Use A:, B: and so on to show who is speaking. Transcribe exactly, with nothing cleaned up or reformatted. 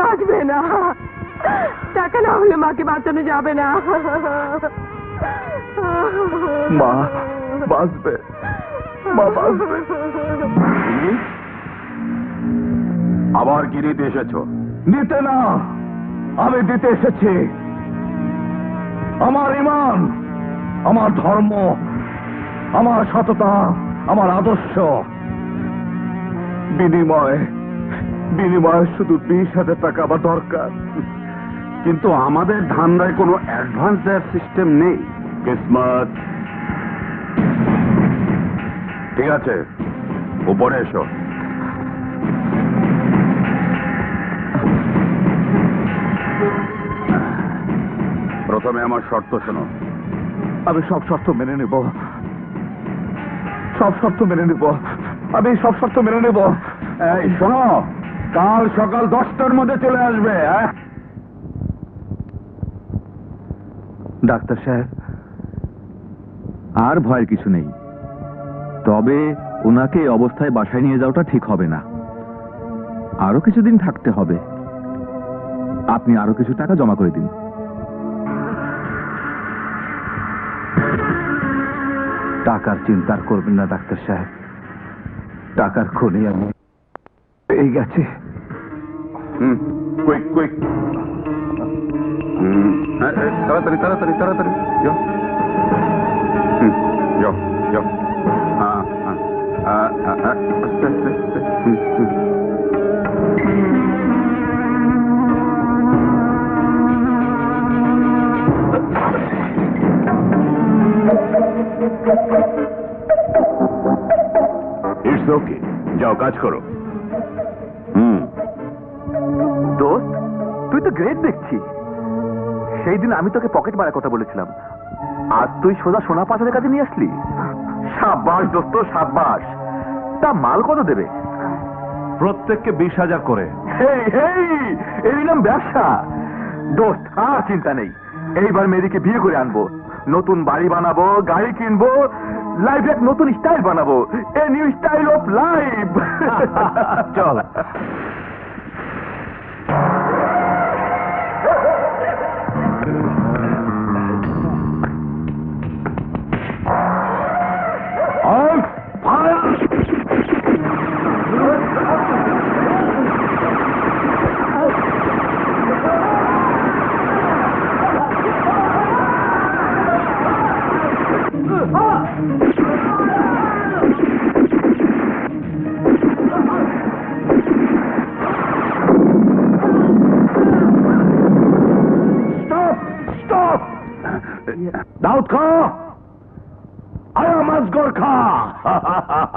A: বাঁচবে না, টাকা না হলে মাকে বাঁচানো যাবে না।
B: মা বাঁচবে, মা বাঁচবে।
C: আবার কি নিতে এসেছো?
B: নিতে না, আমি দিতে এসেছি আমার ঈমান, আমার ধর্ম, আমার সততা, আমার আদর্শ। বিনিময় বিনিময় শুধু বিশ হাজার টাকা আমার দরকার।
C: কিন্তু আমাদের ধান্দায় কোনো অ্যাডভান্স দেওয়ার সিস্টেম নেই। কিসমত। ঠিক আছে, উপরে এসো। প্রথমে আমার শর্ত শোনো।
B: আমি সব শর্ত মেনে নেব, সব শর্ত মেনে নেব, আমি সব শর্ত মেনে নেব।
C: এই শোনো, কাল সকাল দশটার মধ্যে চলে আসবে। হ্যাঁ,
B: ডাক্তার সাহেব, আর ভয়ের কিছু নেই, তবে ওনাকে এই অবস্থায় বাসায় নিয়ে যাওয়াটা ঠিক হবে না, আরো কিছুদিন থাকতে হবে। আপনি আরো কিছু টাকা জমা করে দিন। টাকার চিন্তা করবেন না ডাক্তার সাহেব, টাকার খনি আমি পেয়ে গেছি।
C: হুম, কুইক কুইক। হুম, তাড়াতাড়ি তাড়াতাড়ি তাড়াতাড়ি যাও। হুম, যাও যাও। হ্যাঁ হ্যাঁ, আস্তে আস্তে আস্তে। হুম হুম। ইটস ওকে, যাও কাজ করো। হুম।
B: দোস্ত, তুই তো গ্রেট দেখছি। সেই দিন আমি তোকে পকেট মারার কথা বলেছিলাম, আজ তুই সোজা সোনা পাচারের কাছে নিয়ে আসলি। সাব্বাস দোস্ত, সাব্বাস। তা মাল কত দেবে? প্রত্যেককে বিশ হাজার করে। এই নাম ব্যবসা। দোস্ত, আর চিন্তা নেই, এইবার মেয়েদিকে বিয়ে করে আনবো, নতুন বাড়ি বানাবো, গাড়ি কিনবো, লাইফ এক নতুন স্টাইল বানাবো, a new style of life. চল। দাউদ খা, I am Asghar Khan.